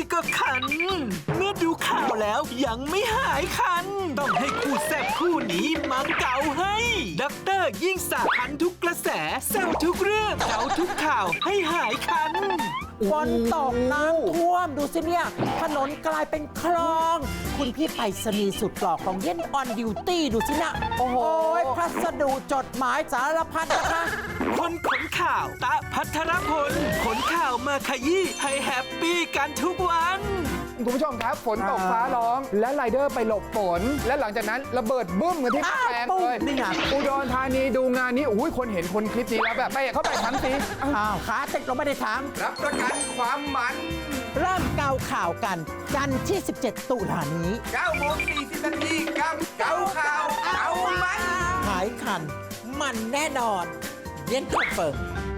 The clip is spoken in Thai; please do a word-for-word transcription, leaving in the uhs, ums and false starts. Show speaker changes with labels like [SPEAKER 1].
[SPEAKER 1] ก็คัน เมื่อดูข่าวแล้วยังไม่หายคัน ต้องให้คู่แซ่บคู่นี้มาเก่าให้ด็อกเตอร์ยิ่งศักดิ์คันทุกกระแสแซวทุกเรื่องเก่าทุกข่าวให้หายคัน
[SPEAKER 2] ฝนตกน้ำท่วมดูสิเนี่ยถนนกลายเป็นคลอง คุณพี่ไปรษณีย์สุดหล่อของเย็นออนดิวตี้ดูสินะโอ้โหพัสดุจดหมายสารพัดนะคะ
[SPEAKER 1] คนขนข่าวตะพัทรพลขนข่าวมาขยี้ให้แฮปปี้กันทุกวัน
[SPEAKER 3] คุณผู้ชมครับฝนตกฟ้าร้อง และไรเดอร์ไปหลบฝน และหลังจากนั้นระเบิดบึ้มกันที่แปลงเลย
[SPEAKER 2] นี่ไง
[SPEAKER 3] อุดรธานีดูงานนี้อุ้ยคนเห็นคนคลิปนี้แล้วแบบไปเข้าไปทั้งที
[SPEAKER 2] อ้าวขาติดเราไม่ได้ถาม
[SPEAKER 3] รับประกันความมัน
[SPEAKER 2] เริ่มเกาข่าวกันจันทร์ที่ สิบเจ็ด ตุลานี้
[SPEAKER 3] เก้าโมงสี่สิบนาทีกับเก้าข่าวเก้ามัน
[SPEAKER 2] หายคัน มันแน่นอน เย็นคอนเฟิร์ม